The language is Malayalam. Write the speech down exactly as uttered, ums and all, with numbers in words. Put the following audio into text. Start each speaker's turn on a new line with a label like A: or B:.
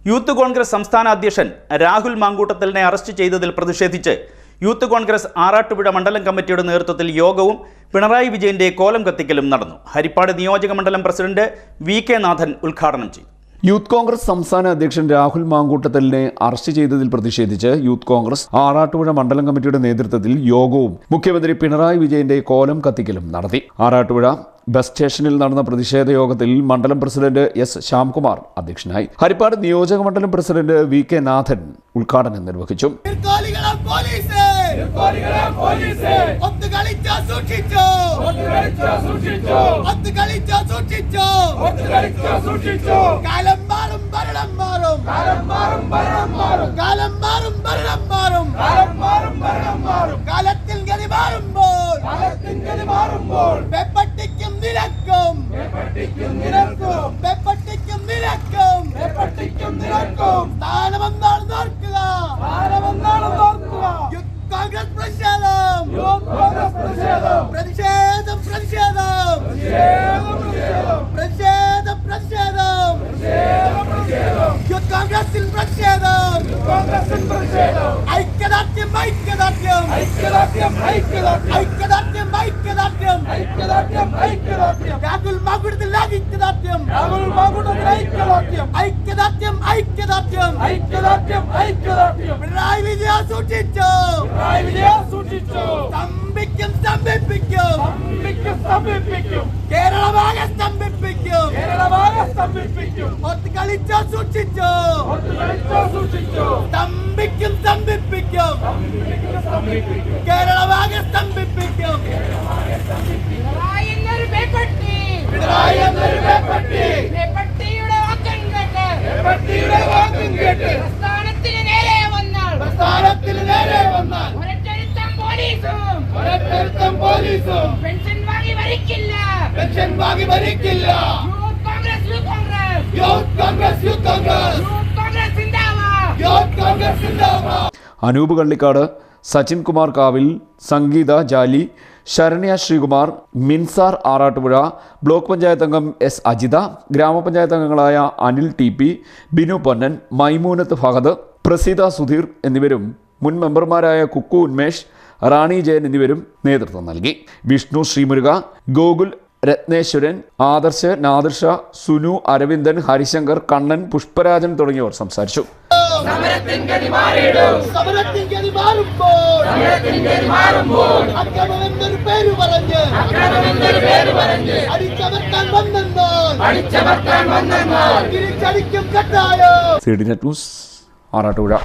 A: യൂത്ത് കോൺഗ്രസ് സംസ്ഥാന അധ്യക്ഷൻ രാഹുൽ മാങ്കൂട്ടത്തലിനെ അറസ്റ്റ് ചെയ്തതിൽ പ്രതിഷേധിച്ച് യൂത്ത് കോൺഗ്രസ് ആറാട്ടുപുഴ മണ്ഡലം കമ്മിറ്റിയുടെ നേതൃത്വത്തിൽ യോഗവും പിണറായി വിജയന്റെ കോലം കത്തിക്കലും നടന്നു. ഹരിപ്പാട് നിയോജക മണ്ഡലം പ്രസിഡന്റ് വി കെ നാഥൻ ഉദ്ഘാടനം ചെയ്തു.
B: യൂത്ത് കോൺഗ്രസ് സംസ്ഥാന അധ്യക്ഷൻ രാഹുൽ മാങ്കൂട്ടത്തലിനെ അറസ്റ്റ് ചെയ്തതിൽ പ്രതിഷേധിച്ച് യൂത്ത് കോൺഗ്രസ് ആറാട്ടുപുഴ മണ്ഡലം കമ്മിറ്റിയുടെ നേതൃത്വത്തിൽ യോഗവും മുഖ്യമന്ത്രി പിണറായി വിജയന്റെ കോലം കത്തിക്കലും നടത്തി. ആറാട്ടുപുഴ ബസ് സ്റ്റേഷനിൽ നടന്ന പ്രതിഷേധ യോഗത്തിൽ മണ്ഡലം പ്രസിഡന്റ് എസ് ശ്യാംകുമാർ അധ്യക്ഷനായി. ഹരിപ്പാട് നിയോജക മണ്ഡലം പ്രസിഡന്റ് വി കെ നാഥൻ ഉദ്ഘാടനം നിർവഹിച്ചു.
C: കേരളമാകെ സ്തംഭിപ്പിക്കും. ഒത്തുകളിച്ചോ സൂക്ഷിച്ചോ. സ്തംഭിക്കും സ്തംഭിപ്പിക്കും. കേരളമാകെ സ്തംഭിപ്പിക്കും.
B: അനൂപ് കള്ളിക്കാട്, സച്ചിൻ കുമാർ കാവിൽ, സംഗീത ജാലി, ശരണ്യ ശ്രീകുമാർ, മിൻസാർ ആറാട്ടുപുഴ, ബ്ലോക്ക് പഞ്ചായത്ത് അംഗം എസ് അജിത, ഗ്രാമപഞ്ചായത്ത് അംഗങ്ങളായ അനിൽ ടി പി, ബിനു പൊന്നൻ, മൈമൂനത്ത് ഫഹദ്, പ്രസീത സുധീർ എന്നിവരും മുൻ മെമ്പർമാരായ കുക്കു ഉന്മേഷ്, റാണി ജയൻ എന്നിവരും നേതൃത്വം നൽകി. വിഷ്ണു ശ്രീമുരുക, ഗോകുൽ, രത്നേശ്വരൻ, ആദർശ്, നാദിർഷ, സുനു, അരവിന്ദൻ, ഹരിശങ്കർ, കണ്ണൻ, പുഷ്പരാജൻ തുടങ്ങിയവർ സംസാരിച്ചു. C D net news Arattupuzha.